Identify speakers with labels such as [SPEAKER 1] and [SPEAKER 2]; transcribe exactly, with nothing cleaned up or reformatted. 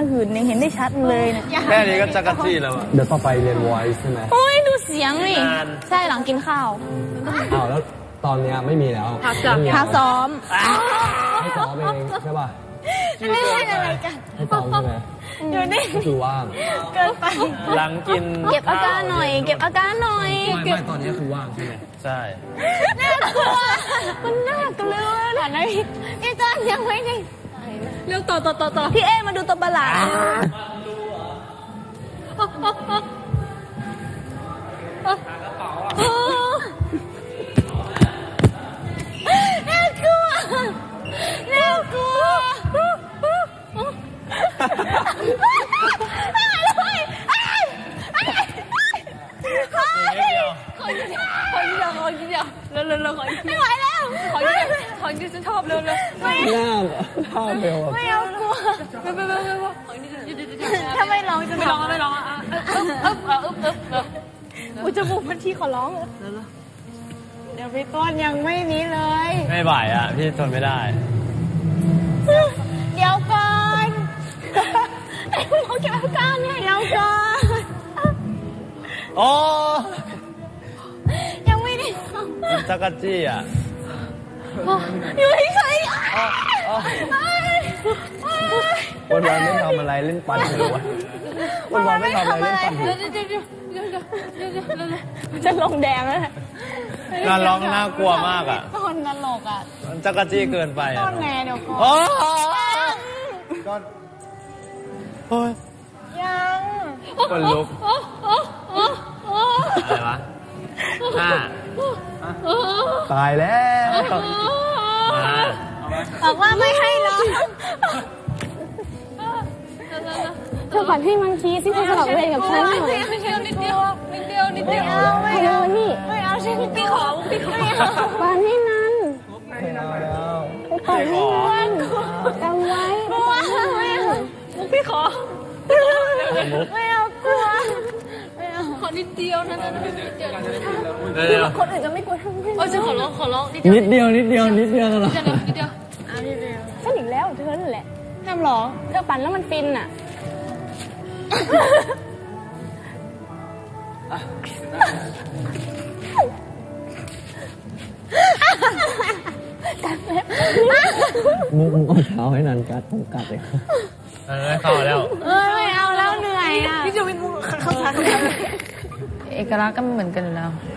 [SPEAKER 1] หื่นเนี่ยเห็นได้ชัดเลยเนี่ย
[SPEAKER 2] แค่นี้ก็จักรจี้แล้วอะ
[SPEAKER 3] เดี๋ยวต่อไปเรียน voice ใช่ไหม
[SPEAKER 1] โอ้ยดูเสียงนี่ใช่หลังกินข้าว
[SPEAKER 3] อ้าวแล้วตอนนี้ไม่มีแล้ว
[SPEAKER 1] พักซ้อม
[SPEAKER 3] ให้ซ้อมเองใช่ป่ะ
[SPEAKER 1] ไม่ใช่อะไรกัน
[SPEAKER 3] ให้ซ้อมใช่ไหม
[SPEAKER 1] อยู่นี่
[SPEAKER 3] ก็คือว่าง
[SPEAKER 1] เกินไป
[SPEAKER 2] หลังกิน
[SPEAKER 1] เก็บอาการหน่อยเก็บอาการหน่อย
[SPEAKER 3] ไม่ไม่ตอนนี้คือว่างใช่ไหม
[SPEAKER 2] ใช่
[SPEAKER 1] น่ากลัวมันน่ากลัวเลยนะพี่พี่จอนยังไม่ได้เร็วต่อต่อต่อต่อพี่เอมาดูตัวประหลาดน่ากลัวน่ากลัวขอทีเดียวขอทีเดียวขอทีเดียวเร็วเร็วเร็วขอไม่ไหวแล้วขอทีเดียวขอทีเดียวฉันชอบเร็วเร็วไม่
[SPEAKER 3] หน้าท่าเบล
[SPEAKER 1] ไม่เอากลัวไม่ไม่ไม่ไม่ถ้าไม่ร้องจะไม่ร้องไม่ร้องอ่ะอึ๊บอึ๊บอึ๊บอึ๊บอึ๊บอุจมูกพันทีขอร้องเดี๋ยวพี่ต้นยังไม่นี้เลย
[SPEAKER 2] ไม่ไหวอ่ะพี่ทนไม่ได้
[SPEAKER 1] เดี๋ยวก่อนโอเคอาการเนี่ยเดี๋ยวก่อน
[SPEAKER 2] โอ้
[SPEAKER 1] ยังไม่ได้
[SPEAKER 2] จักรจี้อ่ะ
[SPEAKER 1] อยู่เฉย
[SPEAKER 3] วันวันไม่ทำอะไรเล่นปั่นเลยวะวันวันไม่ทำอะไรเล่นปั่น
[SPEAKER 1] จะลงแดงแล้ว
[SPEAKER 2] การร้องน่ากลัวมากอ่ะ
[SPEAKER 1] ต้นตลกอ่ะ
[SPEAKER 2] จักรจี้เกินไป
[SPEAKER 1] ต้นแน่เดี๋ยวก่อน
[SPEAKER 2] ก็โอ้ย
[SPEAKER 1] ยัง
[SPEAKER 2] คนลุกอะไรวะห้า
[SPEAKER 3] ตายแล้ว
[SPEAKER 1] บอกว่าไม่ให้ร้องเธอฝันให้มันคีสิเธอสลับเวรกับฉันหน่อยนิดเดียวนิดเดียวนิดเดียวนิดเดียวไม่เอานี่ไม่เอาฉันพี่ขอพี่ขอฝันให้นัน
[SPEAKER 3] ไม่เอาแล้ว
[SPEAKER 1] ไปฝันให้นันจำไว้กลัวไม่เอาพี่ขอไม่เอากลัวไม่เอาขอนิดเดียวนะนิดเดียวคนอื่นจะไม่กลัวทั้งนั้นโอ้ยฉันขอร้องขอร้อง
[SPEAKER 3] นิดเดียวนิดเดียวนิดเดียวเหรอ
[SPEAKER 1] นิดเดียวอ่ะนิดเดียวฉันอีกแล้วเธอนั่นแหละห้ามร้องเธอปั่นแล้วมันฟินอ่ะ
[SPEAKER 3] มุกมุกเอาเท้าให้นันกัดต้องกัดเลย
[SPEAKER 2] เออเข้าแล้ว
[SPEAKER 1] เออไม่เอาแล้วเหนื่อยอ่ะพี่จะวิ่งมุกเข้าชาร์จเอกลักษณ์ก็เหมือนกันแล้ว